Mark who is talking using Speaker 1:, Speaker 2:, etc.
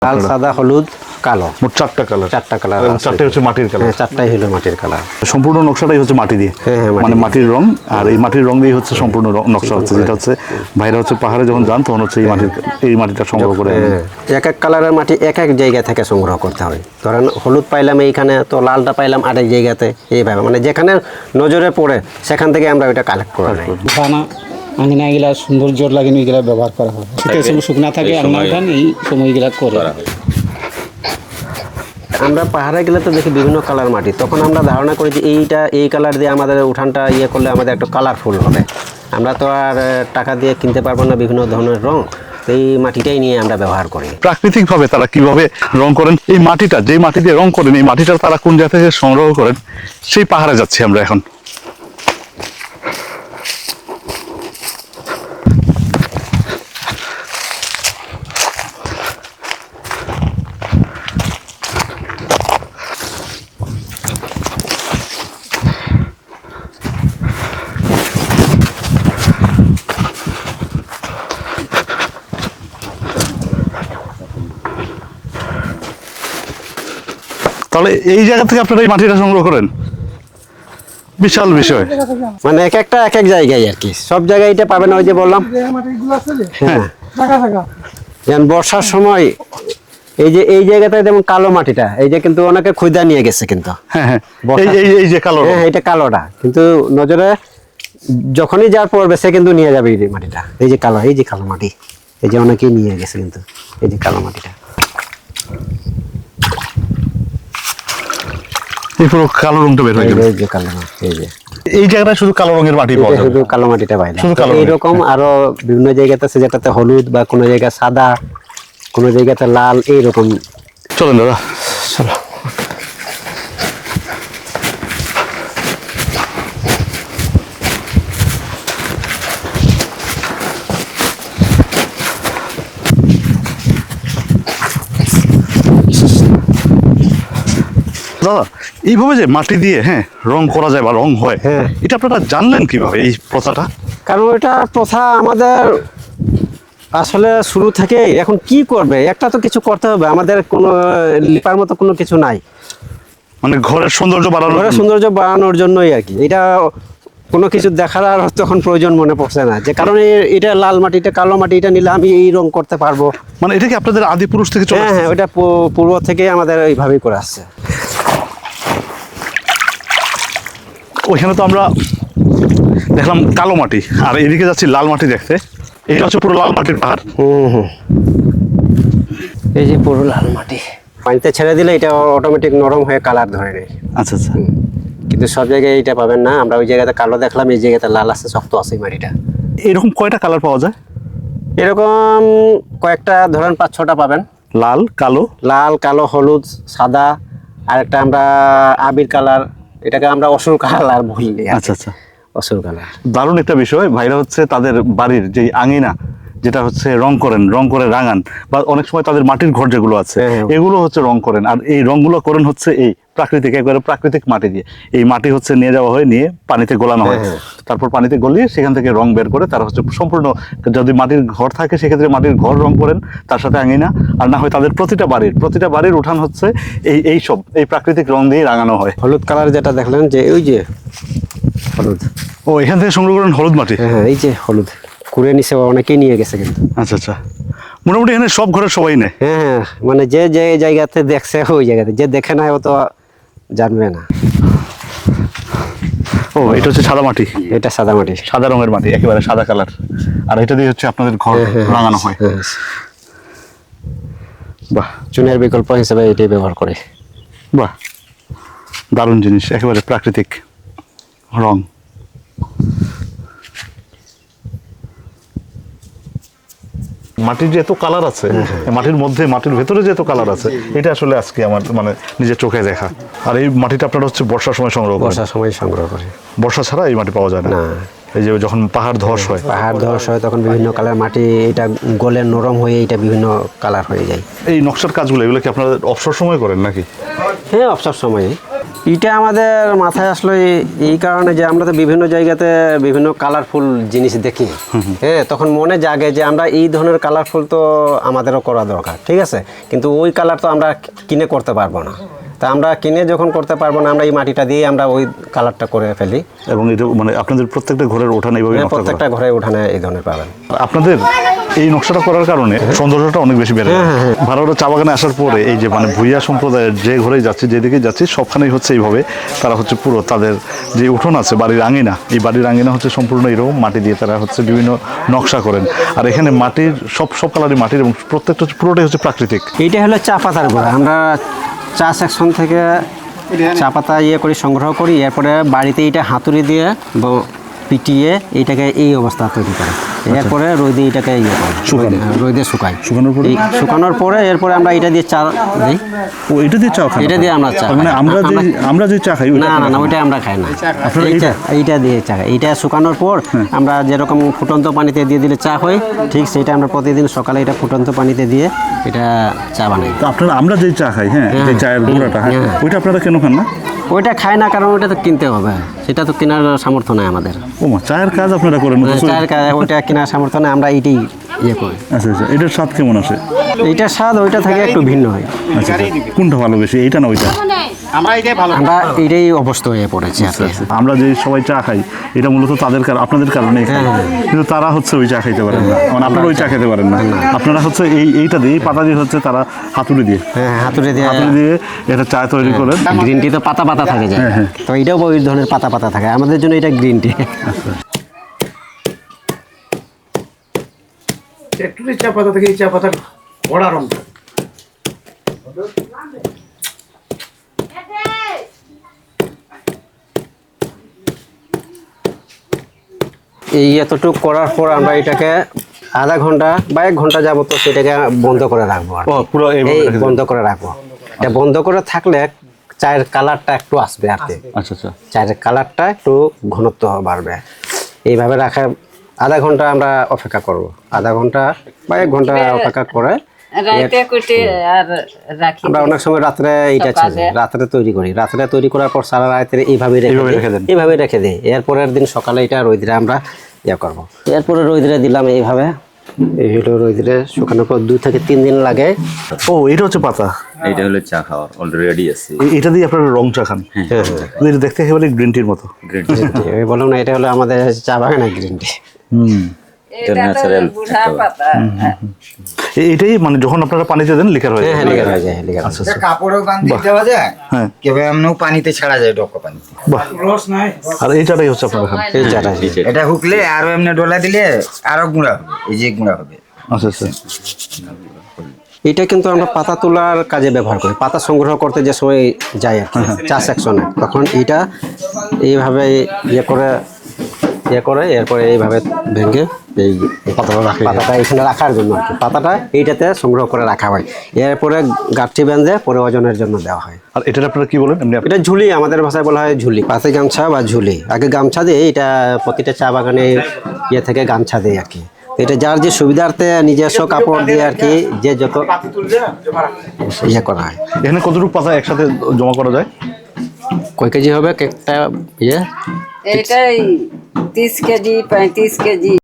Speaker 1: লাল, সাদা, হলুদ, কালো,
Speaker 2: মোট 4টা কালার।
Speaker 1: 4টা কালার।
Speaker 2: চারটাই হচ্ছে মাটির কালার।
Speaker 1: হ্যাঁ, 4টাই হলো মাটির কালার।
Speaker 2: সম্পূর্ণ নকশাটাই হচ্ছে মাটি দিয়ে, মানে মাটির রং, আর এই মাটির রং দিয়ে হচ্ছে সম্পূর্ণ নকশা হচ্ছে, যেটা হচ্ছে ভাইরা হচ্ছে পাহাড়ে যখন যান তখন হচ্ছে এই মাটিটা সংগ্রহ করে।
Speaker 1: এক এক কালারের মাটি এক এক জায়গা থেকে সংগ্রহ করতে হয়। ধরেন হলুদ পাইলাম এইখানে, তো লালটা পাইলাম আরেক জায়গাতে, এইভাবে মানে যেখানে নজরে পড়ে সেখান থেকে আমরা ওইটা কালেক্ট করে নিই।
Speaker 3: খানা আঙিনা এগুলা সৌন্দর্য লাগে এগুলা ব্যবহার করা হয়। শীতের সময় শুকনা থাকে, আঙিনা উঠান এই সময় এগুলা করে।
Speaker 1: আমরা পাহাড়ে গেলে তো দেখি বিভিন্ন কালার মাটি, তখন আমরা ধারণা করি যে এই কালার দিয়ে আমাদের উঠানটা করলে আমাদের একটু কালারফুল হবে। আমরা তো আর টাকা দিয়ে কিনতে পারবো না বিভিন্ন ধরনের রং, এই মাটিটাই নিয়ে আমরা ব্যবহার করি।
Speaker 2: প্রাকৃতিকভাবে তারা কিভাবে রং করেন, এই মাটিটা যে মাটি দিয়ে রং করেন, এই মাটিটা তারা কোন জায়গা থেকে সংগ্রহ করেন, সেই পাহাড়ে যাচ্ছি আমরা এখন। তাহলে এই জায়গা থেকে আপনারা এই মাটিটা সংগ্রহ করেন, বিশাল বিষয়।
Speaker 1: মানে এক একটা এক এক জায়গায় আর কি, সব জায়গায় এটা পাবেন। ওই যে বললাম হ্যাঁ, যেমন বর্ষার সময় এই জায়গাটা যেমন কালো মাটিটা, এই যে কিন্তু অনেকে খুঁজা নিয়ে গেছে কিন্তু।
Speaker 2: হ্যাঁ হ্যাঁ, এই যে কালো,
Speaker 1: হ্যাঁ এটা কালোটা, কিন্তু নজরে যখনই যার পড়বে সে কিন্তু নিয়ে যাবে এই মাটিটা। এই যে কালো মাটি, এই যে অনেকেই নিয়ে গেছে কিন্তু, এই যে কালো মাটিটা।
Speaker 2: এই পুরো কালো রংটা বের হয়ে গেল।
Speaker 1: এই যে কালো মাটি,
Speaker 2: এই জায়গাটা শুধু কালো রঙের মাটি পাওয়া যায়,
Speaker 1: শুধু কালো মাটিটা পাই না।
Speaker 2: শুধু কালো
Speaker 1: এইরকম আরো বিভিন্ন জায়গাতে আছে, যেটাতে হলুদ বা কোনো জায়গায় সাদা, কোনো জায়গাতে লাল, এইরকম।
Speaker 2: চলেন দাদা,
Speaker 1: চলো।
Speaker 2: দাদা এইভাবে যে মাটি দিয়ে রং করা যায় বা রং হয়, এটা আপনারা জানলেন কিভাবে এই প্রথাটা?
Speaker 1: কারণ এটা প্রথা আমাদের আসলে শুরু থেকে। এখন কি করবে, একটা তো কিছু করতে হবে, আমাদের কোনো লিপার মতো কোনো কিছু নাই।
Speaker 2: মানে ঘরের সৌন্দর্য
Speaker 1: বাড়ানোর জন্যই আর কি। এটা কোনো কিছু দেখার আর তখন প্রয়োজন মনে পড়ছে না, যে কারণে এটা লাল মাটি, এটা কালো মাটি, এটা নিলে আমি এই রং করতে পারবো।
Speaker 2: মানে এটা কি আপনাদের আদি পুরুষ থেকে চলে আসছে?
Speaker 1: হ্যাঁ, ওইটা পূর্ব থেকে আমাদের এইভাবেই করে আসছে।
Speaker 2: ওইখানে তো আমরা দেখলাম কালো মাটি, আর এদিকে যাচ্ছি লাল মাটি দেখতে। এটা হচ্ছে পুরো লাল মাটির পাহাড়।
Speaker 1: এই যে পুরো লাল মাটি, পানিতে ছেড়ে দিলে এটা অটোমেটিক নরম হয়ে কালার ধরে নেয়।
Speaker 2: আচ্ছা আচ্ছা।
Speaker 1: কিন্তু সব জায়গায় এটা পাবেন না। আমরা ওই জায়গাতে কালো দেখলাম, এই জায়গাতে লাল আছে, শক্ত আছে মাটিটা।
Speaker 2: এরকম কয়টা কালার পাওয়া যায়?
Speaker 1: এরকম কয়েকটা, ধরেন 5-6টা পাবেন।
Speaker 2: লাল, কালো,
Speaker 1: হলুদ, সাদা, আর একটা আমরা আবির কালার, এটাকে আমরা অসুর কালার বলি।
Speaker 2: আচ্ছা আচ্ছা,
Speaker 1: অসুর কালার।
Speaker 2: দারুণ একটা বিষয়। ভাইরা হচ্ছে তাদের বাড়ির যে আঙিনা, যেটা হচ্ছে রং করে রাঙান, বা অনেক সময় তাদের মাটির ঘর যেগুলো আছে এগুলো হচ্ছে রং করেন, আর এই রংগুলো করেন হচ্ছে এই প্রাকৃতিক মাটি দিয়ে। এই মাটি হচ্ছে নিয়ে যাওয়া হয়, নিয়ে পানিতে গোলানো হয়, তারপর পানিতে গলিয়ে সেখান থেকে রং বের করে তারা হচ্ছে সম্পূর্ণ, যদি মাটির ঘর থাকে সেক্ষেত্রে মাটির ঘর রং করেন, তার সাথে আঙিনা, আর না হয় তাদের প্রতিটা বাড়ির উঠান হচ্ছে এই প্রাকৃতিক রং দিয়ে রাঙানো হয়।
Speaker 1: হলুদ কালার যেটা দেখলেন, যে ওই যে হলুদ,
Speaker 2: ও এখান থেকে সংগ্রহ করেন হলুদ মাটি?
Speaker 1: হ্যাঁ, এই যে হলুদ কুড়ে নিছে, অনেকেই নিয়ে গেছে কিন্তু।
Speaker 2: আচ্ছা আচ্ছা, মোটামুটি এখানে সব ঘরের সবাই নেয়?
Speaker 1: হ্যাঁ, মানে যে জায়গাতে দেখছে ওই জায়গাতে, যে দেখে না ও তো জানবে না।
Speaker 2: ও এটা হচ্ছে সাদা মাটি?
Speaker 1: এটা সাদা মাটি,
Speaker 2: সাদা রঙের মাটি, একেবারে সাদা কালার, আর এটা দিয়ে হচ্ছে আপনাদের ঘর রাঙানো হয়। বাহ,
Speaker 1: চুনের বিকল্প হিসেবে এটাই ব্যবহার করে।
Speaker 2: বাহ, দারুণ জিনিস, একেবারে প্রাকৃতিক রং। মাটির যে এত কালার আছে, মাটির মধ্যে, মাটির ভেতরে যে এত কালার আছে, এটা আসলে আজকে আমার মানে নিজের চোখে দেখা। আর এই মাটিটা আপনারা হচ্ছে বর্ষার সময় সংগ্রহ করেন?
Speaker 1: বর্ষার সময় সংগ্রহ করে,
Speaker 2: বর্ষা ছাড়া এই মাটি পাওয়া যায় না। এই যে যখন পাহাড় ধস হয়,
Speaker 1: তখন বিভিন্ন কালার মাটি, এটা গলে নরম হয়ে এটা বিভিন্ন কালার হয়ে যায়।
Speaker 2: এই নকশার কাজগুলো, এগুলো কি আপনারা অবসর সময় করেন নাকি?
Speaker 1: হ্যাঁ, অবসর সময়ে। এটা আমাদের মাথায় আসলো এই কারণে যে আমরা তো বিভিন্ন জায়গাতে বিভিন্ন কালারফুল জিনিস দেখি, হ্যাঁ, তখন মনে জাগে যে আমরা এই ধরনের কালারফুল তো আমাদেরও করা দরকার, ঠিক আছে, কিন্তু ওই কালার তো আমরা কিনে করতে পারবো না। তা আমরা কিনে যখন করতে পারবো না, আমরা এই মাটিটা দিয়ে আমরা ওই কালারটা করে ফেলি।
Speaker 2: এবং এটা মানে আপনাদের প্রত্যেকটা ঘরের ওঠান এইভাবে নকশা করা?
Speaker 1: প্রত্যেকটা ঘরে উঠানে এই ধরনের পাবেন।
Speaker 2: আপনাদের এই নকশাটা করার কারণে সৌন্দর্যটা অনেক বেশি বেড়ে যায়। ভারতের চা বাগানে আসার পরে এই যে মানে ভুইয়া সম্প্রদায়ের যে ঘরেই যাচ্ছি, যেদিকে যাচ্ছি, সবখানেই হচ্ছে এইভাবে তারা হচ্ছে পুরো তাদের যে উঠোন আছে, বাড়ির আঙিনা, এই বাড়ির আঙিনা হচ্ছে সম্পূর্ণ এরকম মাটি দিয়ে তারা হচ্ছে বিভিন্ন নকশা করেন। আর এখানে মাটির সব কালারই মাটির, এবং প্রত্যেকটা হচ্ছে পুরোটাই হচ্ছে প্রাকৃতিক।
Speaker 1: এইটা হলো চা পাতার গোড়া। আমরা চা সেকশন থেকে চা পাতা করি, সংগ্রহ করি, এরপরে বাড়িতে এইটা হাতুড়ি দিয়ে পিটিয়ে এইটাকে এই অবস্থা তৈরি করে, এরপরে রোদে এটাকে করে রোদে শুকাই, শুকানোর পরে এরপরে আমরা এটা দিয়ে চা দিই।
Speaker 2: ও, এটা দিয়ে চা খাই?
Speaker 1: এটা দিয়ে আমরা চা,
Speaker 2: মানে আমরা যে চা খাই
Speaker 1: না ওইটা আমরা খাই না, এইটা দিয়ে চা খাই। এইটা শুকানোর পর আমরা যেরকম ফুটন্ত পানিতে দিয়ে দিলে চা হয়, ঠিক সেটা আমরা প্রতিদিন সকালে এটা ফুটন্ত পানিতে দিয়ে এটা চা বানাই।
Speaker 2: তো আপনারা আমরা যে চা খাই, হ্যাঁ, যে চায়ের গুঁড়াটা, হ্যাঁ, ওইটা আপনারা কেন খান না?
Speaker 1: ওইটা খাই না কারণ ওইটা তো কিনতে হবে, সেটা তো কেনার সামর্থ্য নাই আমাদের।
Speaker 2: ও মা, চায়ের কাজ আপনারা করেন?
Speaker 1: চায়ের কাজ, ওইটা কেনার সামর্থ্য নাই, আমরা এইটাই করি।
Speaker 2: আচ্ছা আচ্ছা, এটার স্বাদ কেমন আসে?
Speaker 1: এইটার স্বাদ ওইটা থেকে একটু ভিন্ন হয়।
Speaker 2: আচ্ছা, কোনটা ভালো বেশি, এইটা না ওইটা?
Speaker 1: আমরা এইটাই অভ্যস্ত হয়ে পড়েছি।
Speaker 2: আমরা যে সবাই চা খাই, এটা মূলত তাদের আপনাদের কারণে, কিন্তু তারা হচ্ছে ওই চা খাইতে পারেন না, মানে আপনারা ওই চা খেতে পারেন না। আপনারা হচ্ছে এইটা দিয়ে, এই পাতা দিয়ে হচ্ছে তারা হাতুড়ি দিয়ে হাতুড়ি দিয়ে এটা চা তৈরি করেন।
Speaker 1: গ্রিন টি তো পাতা পাতা থাকে যায়, তো এটাও ওই ধরনের পাতা পাতা থাকে, আমাদের জন্য এটা গ্রিন টি।
Speaker 4: একটু চা পাতা থেকে এই চা পাতার বড়া রং।
Speaker 1: এই এতটুকু করার পর আমরা এটাকে আধা ঘন্টা বা 1 ঘন্টা যাবত সেটাকে বন্ধ করে রাখবো,
Speaker 2: পুরো
Speaker 1: বন্ধ করে রাখবো। এটা বন্ধ করে থাকলে চায়ের কালারটা একটু আসবে আর কি।
Speaker 2: আচ্ছা আচ্ছা,
Speaker 1: চায়ের কালারটা একটু ঘনত্ব বাড়বে। এইভাবে রাখা আধা ঘন্টা আমরা অপেক্ষা করব, আধা ঘন্টা বা 1 ঘন্টা অপেক্ষা করে আমরা অনেক সময় রাত্রে রাত্রে তৈরি করি। রাত্রে তৈরি করার পর সারা রাত্রে এইভাবে রেখে দিই। এরপরের দিন সকালে এটা রোদ্রে আমরা করবো। এরপরে রোদ্রে দিলাম এইভাবে, এই হলো রোদ্রে শুকানোর পর 2 থেকে 3 দিন লাগে।
Speaker 2: ও, এটা হচ্ছে পাতা,
Speaker 5: এটা হলো চা খাওয়ার অলরেডি আছে।
Speaker 2: এটা দিয়ে আপনারা রং চা খান?
Speaker 1: হ্যাঁ,
Speaker 2: এটা দেখতে একেবারে গ্রিন টির মতো।
Speaker 5: গ্রিন
Speaker 1: বললাম না, এটা হলো আমাদের চা বাগানে গ্রিন টি।
Speaker 5: এটা ন্যাচারাল
Speaker 2: এটাই মানে যখন আপনারা পানিতে দেন লিকার হয়ে যায়?
Speaker 1: হ্যাঁ, লিকার হয়ে যায়, লিকার।
Speaker 2: আচ্ছা আচ্ছা,
Speaker 6: কাপড়ও বাঁধতে দেওয়া যায়,
Speaker 2: হ্যাঁ,
Speaker 6: কেবল এমনিও পানিতে ছাড়া যায়, ডক্কা পানিতে।
Speaker 2: বাহ।
Speaker 4: রস নাই।
Speaker 2: আর এই চাটাই হচ্ছে আপনারা খান?
Speaker 1: এই চাটা
Speaker 6: এটা হুকলে আরো এমনি ডলা দিলে আরো গুঁড়া হবে, এই যে গুঁড়া হবে।
Speaker 2: আচ্ছা আচ্ছা,
Speaker 1: এটা কিন্তু আমরা পাতা তোলার কাজে ব্যবহার করি। পাতা সংগ্রহ করতে যে সময় যাই আর কি, চা সেকশনে, তখন এটা এইভাবে করে এরপরে এইভাবে ভেঙে এই পাতাটা এখানে রাখার জন্য আর কি, পাতাটা এইটাতে সংগ্রহ করে রাখা হয়। এরপরে গাঁঠি বেঁধে পরে ওজনের জন্য দেওয়া হয়।
Speaker 2: আর এটা আপনারা কি বলেন? এমনি
Speaker 1: এটা ঝুলি, আমাদের ভাষায় বলা হয় ঝুলি, পাতে গামছা বা ঝুলি। আগে গামছা দিয়ে এটা প্রতিটা চা বাগানে থেকে গামছা দেয় আর কি। এটা যার যে সুবিধার্থে নিজস্ব কাপড় দিয়ে আর কি, যে যত করা হয়।
Speaker 2: এখানে কতটুকু পাতা একসাথে জমা করা যায়?
Speaker 1: কয় কেজি হবে একটা
Speaker 7: এটাই 30 কেজি 35 কেজি।